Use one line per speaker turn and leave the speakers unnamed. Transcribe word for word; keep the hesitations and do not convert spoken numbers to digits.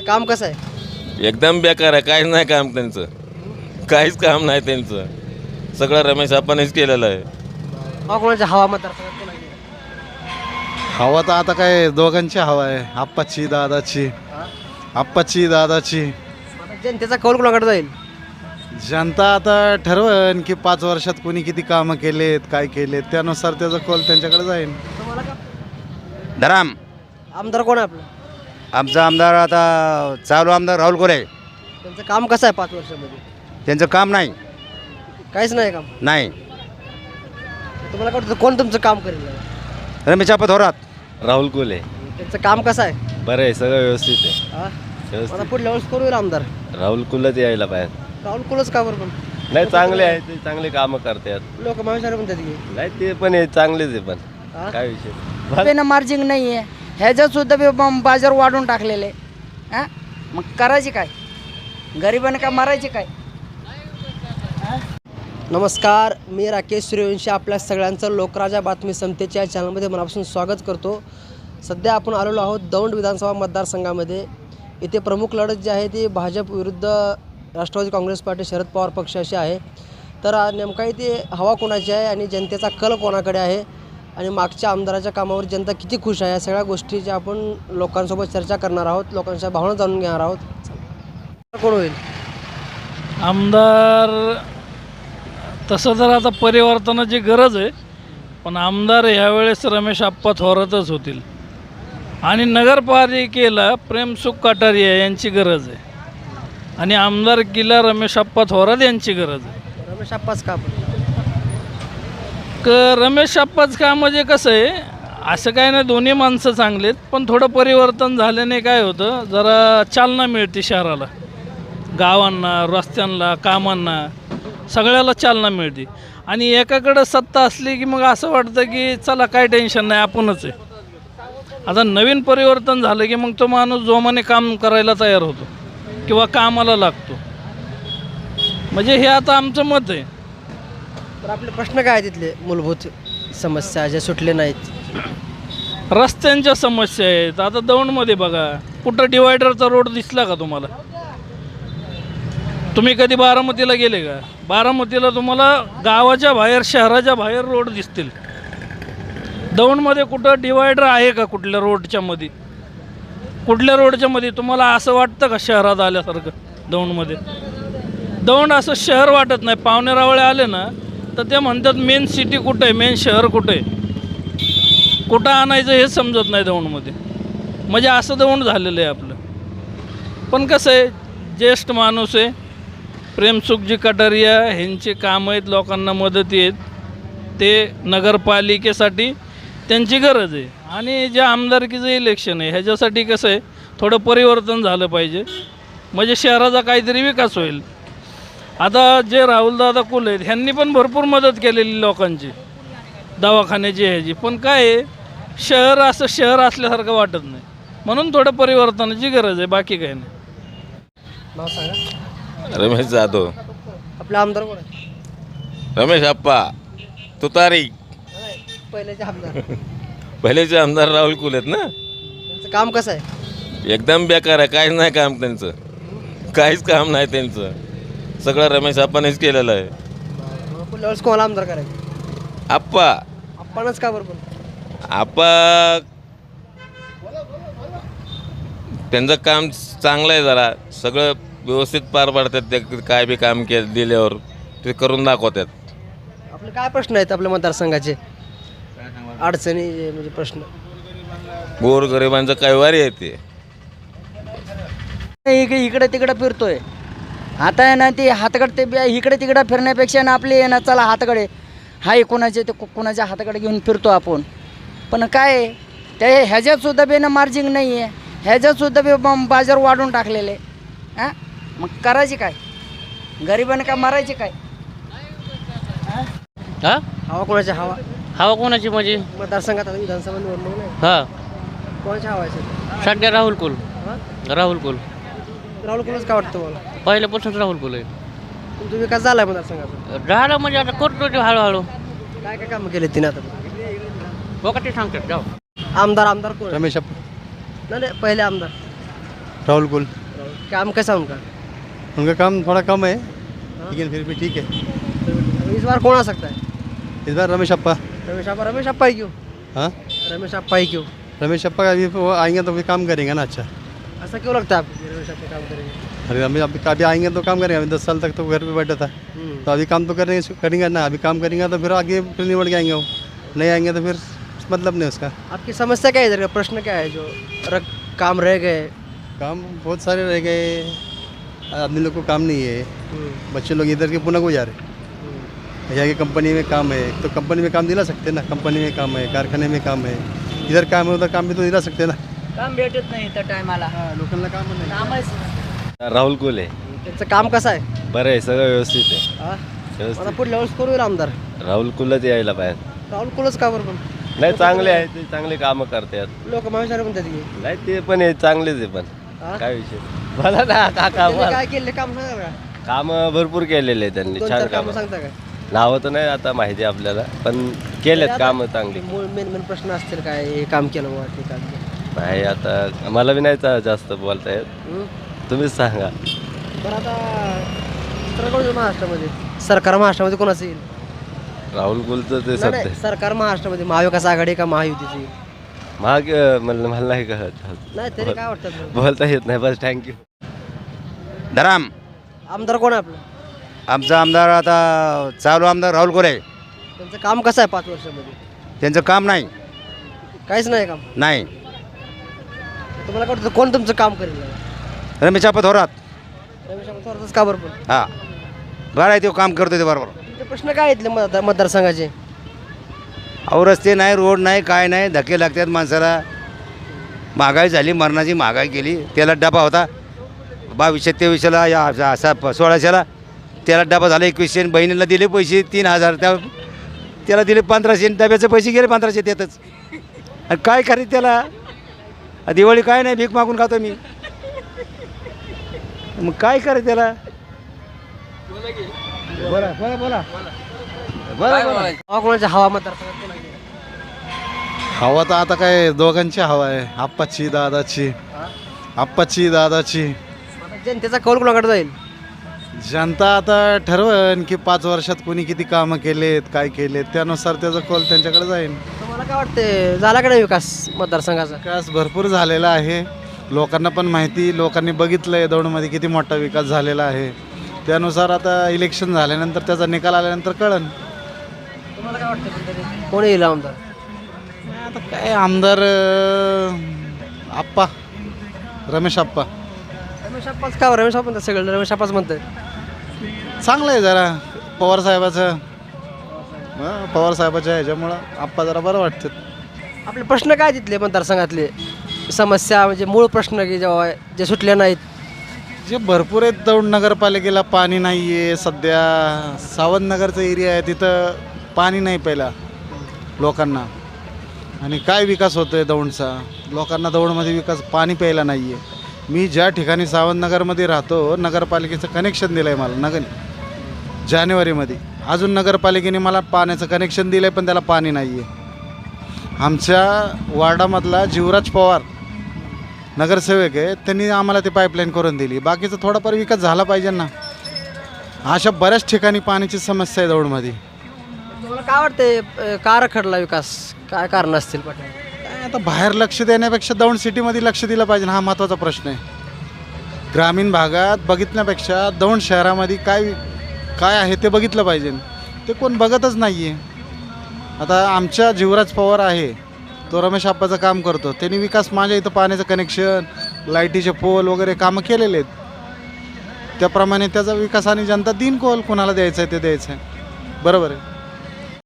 त्यांचं काम कसं आहे?
एकदम बेकार आहे. काहीच नाही काम त्यांचं, काहीच काम नाही त्यांचं. सगळं रमेश आपणच केलेलं आहे.
हा कोणाच्या हवा मतदारसंघात कोणाची आहे?
हवा तर आता काय दोघांची हवा आहे, आप्पाची दादाची. आप्पाची दादाची.
आता जनतेचा कौल कोणाकडे जाईल?
जनता आता ठरवन की पाच वर्षात कोणी किती कामं केलेत, काय केलेत, त्यानुसार त्याचा कौल त्यांच्याकडे जाईल.
तुम्हाला का?
धराम
आमदार कोण आहे आपलं?
आमचा आमदार आता चालू आमदार राहुल कोरे.
त्यांचं काम कसं आहे पाच वर्षामध्ये?
त्यांचं काम नाही
काहीच नाही काम.
नाही
तुम्हाला काय वाटतं कोण तुमचं काम करेल?
रमेश आप्पा थोरात.
राहुल कोले
त्यांचं काम कसं आहे?
बरं आहे, सगळं व्यवस्थित आहे.
हा? मला पुढल्या वेळेस करू येईल आमदार
राहुल कुलच यायला पाहिजे.
राहुल कुलच का बरं? पण
नाही, चांगले आहे ते, चांगले कामं करतात.
लोक महाविचार म्हणतात की
नाही ते पण आहे, चांगलेच आहे. पण
हा?
काय विषय
पेन मार्जिन नाही आहे, ह्याच्यात सुद्धा बी बम- बाजार वाढून टाकलेले. हां मग करायची काय? गरिबांना काय मारायचे काय?
नमस्कार, मी राकेश सूर्यवंशी आपल्या सगळ्यांचं लोकराजा बातमी समतेच्या या चॅनलमध्ये मनापासून स्वागत करतो. सध्या आपण आलेलो आहोत दौंड विधानसभा मतदारसंघामध्ये. इथे प्रमुख लढत जी आहे ती भाजप विरुद्ध राष्ट्रवादी काँग्रेस पार्टी शरद पवार पक्षाशी आहे. तर आ- नेमका इथे हवा कोणाची आहे आणि जनतेचा कल कोणाकडे आहे आणि मागच्या आमदाराच्या कामावर जनता किती खुश आहे, या सगळ्या गोष्टीच्या आपण लोकांसोबत चर्चा करणार आहोत, लोकांच्या भावना जाणून घेणार आहोत. कोण होईल
आमदार? तसं तर आता परिवर्तनाची गरज आहे, पण आमदार ह्यावेळेस रमेश आप्पा थोरातच होतील. आणि नगरपालिकेला प्रेमसुख कटारिया यांची गरज आहे आणि आमदारकीला रमेश आप्पा थोरात यांची गरज आहे.
रमेश आप्पाच का? आपण
क रमेश आप्पाच का म्हणजे कसं आहे, असं काय नाही, दोन्ही माणसं चांगलेत, पण थोडं परिवर्तन झाल्याने काय होतं, जरा चालना मिळते शहराला, गावांना, रस्त्यांना, कामांना, सगळ्याला चालना मिळते. आणि एकाकडं सत्ता असली की मग असं वाटतं की चला काय टेन्शन नाही, आपणच आहे. आता नवीन परिवर्तन झालं की मग तो माणूस जोमाने काम करायला तयार होतो किंवा कामाला लागतो. म्हणजे हे आता आमचं मत आहे.
तर आपले प्रश्न काय आहे तिथले मूलभूत समस्या ज्या सुटले नाहीत?
रस्त्यांच्या समस्या आहेत. आता दौंडमध्ये बघा, कुठं डिवायडरचा रोड दिसला का तुम्हाला? तुम्ही कधी बारामतीला गेले का? बारामतीला तुम्हाला गावाच्या बाहेर, शहराच्या बाहेर रोड दिसतील. दौंडमध्ये कुठं डिवायडर आहे का कुठल्या रोडच्या मध्ये? कुठल्या रोडच्या मध्ये तुम्हाला असं वाटतं का शहरात आल्यासारखं? दौंडमध्ये दौंड असं शहर वाटत नाही. पावणेरावळे आले ना तर ते म्हणतात मेन सिटी कुठं आहे, मेन शहर कुठं आहे, कुठं आणायचं हे समजत नाही दौंडमध्ये. म्हणजे असं दौंड झालेलं आहे आपलं. पण कसं आहे, ज्येष्ठ माणूस आहे, प्रेमसुखजी कटारिया ह्यांचे काम आहेत, लोकांना मदती आहेत, ते नगरपालिकेसाठी त्यांची गरज आहे. आणि जे आमदारकीचं इलेक्शन आहे ह्याच्यासाठी कसं आहे, थोडं परिवर्तन झालं पाहिजे, म्हणजे शहराचा काहीतरी विकास होईल. आता जे राहुलदादा कुल आहेत ह्यांनी पण भरपूर मदत केलेली लोकांची, दवाखान्याची ह्याची, पण काय आहे, शहर असं शहर असल्यासारखं वाटत नाही. म्हणून थोडं परिवर्तनाची गरज आहे, बाकी काही नाही.
नाव सांगा.
रमेश जाधव.
आपले आमदार कोण आहे?
रमेश आप्पा तुतारी.
नाही, पहिल्याचे आमदार.
पहिलेचे आमदार राहुल कुल आहेत ना.
त्यांचं काम कसं आहे?
एकदम बेकार आहे. काहीच नाही काम त्यांचं, काहीच काम नाही त्यांचं. सगळं रमेश आपणच केलेलं आहे.
मग पुढल्या वेळेस कोणाला आमदार करायचं?
आप्पा.
आपणच का बरं? पण
आप्पा त्यांचं काम चांगलं आहे, जरा सगळं व्यवस्थित पार पाडतात. ते काय बी काम के दिल्यावर ते करून दाखवतात.
आपले काय प्रश्न आहेत आपल्या मतदारसंघाचे, अडचणी जे म्हणजे प्रश्न?
गोरगरिबांचं काय वारी आहे ते.
इकडे इकडे तिकडे फिरतोय. आता आहे ना ते हाताकडे ते बी- इकडे तिकडे फिरण्यापेक्षा ना आपले आहे ना, चला हाताकडे हाय कोणाचे ते कोणाच्या हाताकडे घेऊन फिरतो आपण. पण काय आहे, त्या ह्याच्यात सुद्धा बी ना मार्जिन नाही आहे, ह्याच्यात सुद्धा बी बम- बाजार वाढून टाकलेले. हां मग करायची काय? गरिबांना काय मारायचे काय?
हा
हवा कोणाची हवा
हवा कोणाची म्हणजे?
मतदारसंघात आता विधानसभा निवडणूक नाही,
हा
कोणाची हवा आहे सध्या?
सध्या राहुल कुल.
हा?
राहुल कुल
राहुल कुलच का वाटतं मला?
पहिल्यापासून राहुल कुल आहे.
तुमचा विकास झाला आहे मतदारसंघाचा?
झालं म्हणजे आता करतो ते हळूहळू.
काय काय कामं केले तिने आता?
बघा ते सांगतात जाऊ.
आमदार आमदार कोण आहे?
रमेश आप्पा.
नाही नाही, पहिले आमदार.
राहुल कुल
काम कैसा उनका?
उनका काम थोड़ा कम है लेकिन फिर भी ठीक है।
इस बार कौन आ सकता है?
इस बार रमेश अप्पा।
रमेश अप्पा रमेश अप्पा ही क्यों?
हाँ,
रमेश अप्पा ही क्यों?
रमेश अप्पा अभी वो आएंगे तो भी काम करेंगे ना। अच्छा,
ऐसा क्यों लगता है आपको कि रमेश अप्पा काम करेंगे?
अरे अभी अभी अभी आएंगे तो काम करेंगे। अभी दस साल तक तो घर पे बैठा था,
हम्म।
तो अभी काम तो करेंगे करेंगे ना। अभी काम करेंगे तो फिर आगे फिर निबट के आएंगे। वो नहीं आएंगे तो फिर मतलब नहीं उसका।
आपकी समस्या क्या है इधर का? प्रश्न क्या है जो रख काम रह गए?
काम बहुत सारे रह गए, आदमी लोग को काम नहीं है। बच्चे लोग इधर के पुणे को जा रहे, यहाँ की कंपनी में काम है तो कंपनी में काम दिला सकते ना। कंपनी में काम है, कारखाने में काम है, इधर काम है उधर काम भी तो दिला सकते ना।
काम भेटत नाही त्या टायमाला.
लोकांना काम नाही.
कामच
राहुल कोले
त्यांचं काम कसं आहे?
बरं आहे, सगळं व्यवस्थित आहे.
हा?
व्यवस्थित.
आता पुढल्या वेळेस कोण होईल आमदार?
राहुल कुलच यायला पाहिजे.
राहुल कुलच का बरं पण?
नाही, चांगले आहे ते, चांगले कामं करतात.
लोक महाविचार म्हणतात की
नाही ते पण आहे, चांगलेच आहे. पण
हा?
काय विषय मला ना काका
त्यांनी
मला
काय केले काम सांगा का?
कामं भरपूर केलेले आहे त्यांनी,
दोन
छान
चार
कामं.
कामं सांगता काय?
नावं तर नाही आता माहिती आपल्याला, पण केलेत कामं चांगली.
मूळ मेन मेन प्रश्न असतील काय? हे काम केलं बुवा, ते काम केलं.
नाही आता मला बी नाही चा- जास्त बोलता येत,
हम्म?
तुम्हीच सांगा.
बरं आता सरकार कोणाचं महाराष्ट्रामध्ये? सरकार महाराष्ट्रामध्ये कोणाचं येईल?
राहुल कुलचं ते
नाही,
सत्य
नाही, सरकार महाराष्ट्रामध्ये महाविकास आघाडी का महायुतीची येईल?
महाग मला मला नाही कळत.
नाही तरी काय वाटतं तुला?
बोलता येत नाही, बस थँक्यू.
धराम.
आमदार कोण आहे आपलं?
आमचा आमदार आता चालू आमदार राहुल कोरे.
त्यांचं काम कसं आहे पाच वर्षामध्ये?
त्यांचं काम नाही
काहीच नाही काम.
नाही
तुम्हाला काय वाटतं कोण तुमचं काम करेल?
रमेश अप्पा थोरात.
रमेश अप्पा थोरातच का बरं पण?
हां, बरं आहे, तो काम करतो ते बरोबर.
तुमचे प्रश्न काय आहेत मतदार मतदारसंघाचे?
अहो रस्ते नाही, रोड नाही, काय नाही, धक्के लागतात माणसाला. महागाई झाली, मरणाची महागाई केली. त्याला डबा होता बावीसशे तेवीसशेला, या असा सोळाशेला. त्याला डबा झाला एकवीसशे. आणि बहिणीला दिले पैसे तीन हजार, त्या त्याला दिले पंधराशे. आणि डब्याचे पैसे गेले पंधराशे त्यातच. आणि काय करीत त्याला? दिवाळी काय नाही, भीक मागून खातो मी. मग काय करे त्याला? बोला बोला बोला बोला बोला.
हवा कोणाच्या हवा मतदारसंघात कोणाची?
हवा तर आता काय दोघांची हवा आहे, आप्पाची दादाची. आप्पाची दादाची.
आता जनतेचा कौल कोणाकडे जाईल?
जनता आता ठरवन की पाच वर्षात कोणी किती कामं केलेत, काय केलेत, त्यानुसार त्याचा कौल त्यांच्याकडे जाईल.
तुम्हाला काय वाटते झाला का नाही विकास मतदारसंघाचा?
विकास भरपूर झालेला आहे. लोकांना पण माहिती, लोकांनी बघितलं आहे दौंडमध्ये किती मोठा विकास झालेला आहे. त्यानुसार आता इलेक्शन झाल्यानंतर त्याचा निकाल आल्यानंतर कळन.
तुम्हाला काय वाटतं पण तरी कोण येईल आमदार?
आता काय आमदार अं, आप्पा, रमेश आप्पा.
रमेश अप्पाच का? रमेश अप्पा सगळं रमेश अप्पाच म्हणतात.
चांगलं आहे जरा पवार साहेबाचं. हां, पवार साहेबाच्या ह्याच्यामुळं आप्पा जरा बरं वाटतं.
आपले प्रश्न काय तिथले मतदारसंघातले समस्या म्हणजे मूळ प्रश्न की जेव्हा जे सुटले नाहीत?
जे भरपूर आहेत. दौंड नगरपालिकेला पाणी नाही आहे सध्या. सावंतनगरचा एरिया आहे, तिथं पाणी नाही पहिला लोकांना. आणि काय विकास होतो आहे दौंडचा? लोकांना दौंडमध्ये विकास, पाणी प्यायला नाही आहे. मी ज्या ठिकाणी सावंतनगरमध्ये राहतो, नगरपालिकेचं कनेक्शन दिलं आहे मला नगर जानेवारीमध्ये. अजून नगरपालिकेने मला पाण्याचं कनेक्शन दिलं आहे, पण त्याला पाणी नाही आहे. आमच्या वार्डामधला जीवराज पवार नगरसेवक आहे, त्यांनी आम्हाला ते पाईपलाईन करून दिली. बाकीचा थोडाफार विकास झाला पाहिजे ना. अशा बऱ्याच ठिकाणी पाण्याची समस्या आहे दौंडमध्ये.
तुम्हाला काय वाटते अं, का रखडला विकास? काय कारण असतील पाटील?
काय आता बाहेर लक्ष देण्यापेक्षा दौंड सिटीमध्ये लक्ष दिलं पाहिजे, हा महत्त्वाचा प्रश्न आहे. ग्रामीण भागात बघितण्यापेक्षा दौंड शहरामध्ये काय काय आहे ते बघितलं पाहिजे. ते कोण बघतच नाही आहे. आता आमच्या जीवराज पवार आहे, तो रमेश आप्पाचं काम करतो. त्यांनी विकास, माझ्या इथं पाण्याचं कनेक्शन, लाईटीचे पोल वगैरे कामं केलेले आहेत. त्याप्रमाणे त्याचा विकास आणि जनता दिन कोल कोणाला द्यायचं आहे ते द्यायचं आहे. बरोबर आहे.